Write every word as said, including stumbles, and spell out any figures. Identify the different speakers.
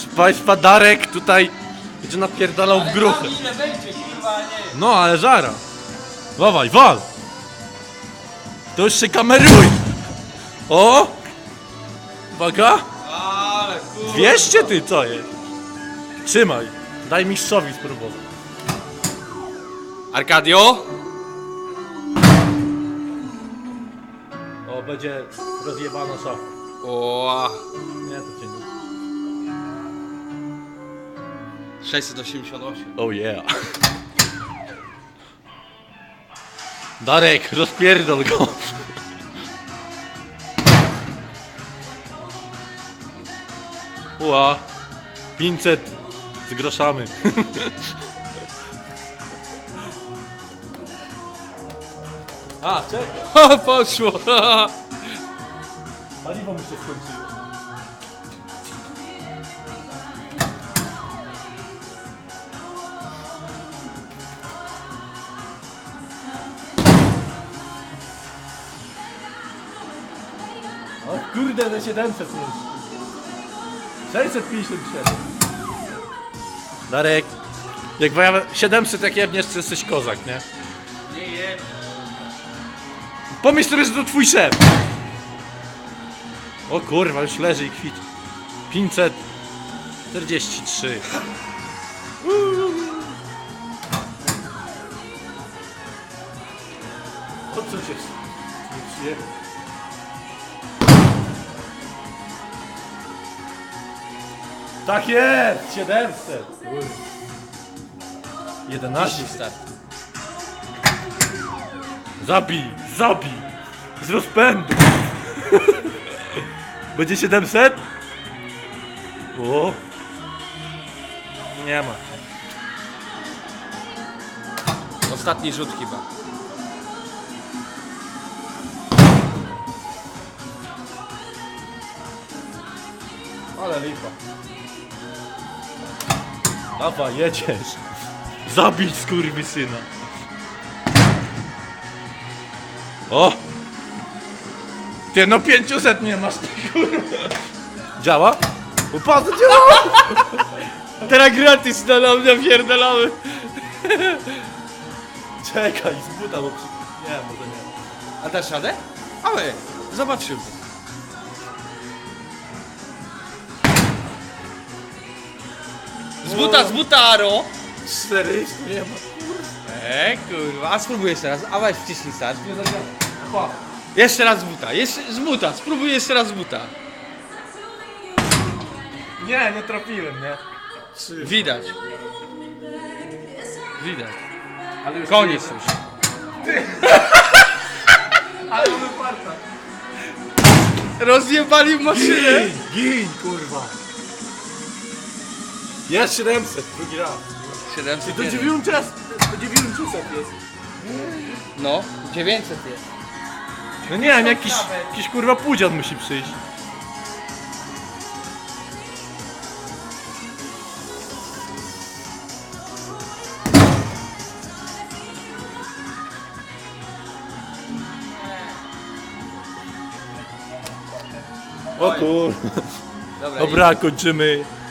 Speaker 1: Proszę Państwa, Darek tutaj będzie napierdalał w gruchę.
Speaker 2: Ile będzie, kurwa, nie.
Speaker 1: No, ale żara. Dawaj, wal. To już się kameruje. O! Uwaga.
Speaker 2: Ale kurwa.
Speaker 1: dwieście ty, co jest? Trzymaj. Daj mistrzowi spróbować.
Speaker 2: Arkadio?
Speaker 1: O, będzie rozjebana szafa.
Speaker 2: O,
Speaker 1: Nie, to cię nie...
Speaker 2: sześćset osiemdziesiąt osiem.
Speaker 1: Oh yeah. Darek, rozpierdol go. Ła. pięćset z groszami. A, czekaj.
Speaker 2: Ha, poszło.
Speaker 1: Paliwo mi się skończyło. O kurde, na siedemset już. sześćset pięćdziesiąt siedem. Darek, jak ja siedemset jak jebniesz, to jesteś kozak, nie?
Speaker 2: Nie jem.
Speaker 1: Pomyśl sobie, że to twój szef. O kurwa, już leży i kwici. pięćset czterdzieści trzy. O co się nie przyjemnie. Tak jest! siedemset! jedenaście.
Speaker 2: Start.
Speaker 1: Zabij! Zabij! Z rozpędu! Będzie siedemset? O! Nie ma.
Speaker 2: Ostatni rzut chyba.
Speaker 1: Ale lipa. Dawaj, jedziesz. Zabić skurwysyna. O! Ty, no pięćset nie masz, ty kurwa. Działa? Upadł, działa!
Speaker 2: Teraz gratis na mnie pierdolamy.
Speaker 1: Czekaj, z buta, bo przy... Nie, może nie.
Speaker 2: A dasz radę? Ale, zobaczymy. Z buta, z buta, Aro.
Speaker 1: czterysta nie ma.
Speaker 2: Eee, kurwa, a spróbuj jeszcze raz. A weź wciśnij start.
Speaker 1: Nie zadziała. Chłop.
Speaker 2: Jeszcze raz z buta, jeszcze z buta, spróbuj jeszcze raz z buta.
Speaker 1: Nie, nie trafiłem, nie? Trzy.
Speaker 2: Widać. Widać.
Speaker 1: Ale już
Speaker 2: Koniec już.
Speaker 1: Ale mamy farta.
Speaker 2: Rozjebali maszynę.
Speaker 1: Gin, gin, kurwa. Jest siedemset, drugi raz.
Speaker 2: siedemset
Speaker 1: To
Speaker 2: jeden.
Speaker 1: dziewięćset, to dziewięćset jest.
Speaker 2: No, dziewięćset jest.
Speaker 1: No nie wiem, jakiś, jakiś kurwa pudzian musi przyjść. O kurwa.
Speaker 2: Dobra,
Speaker 1: Dobra, kończymy.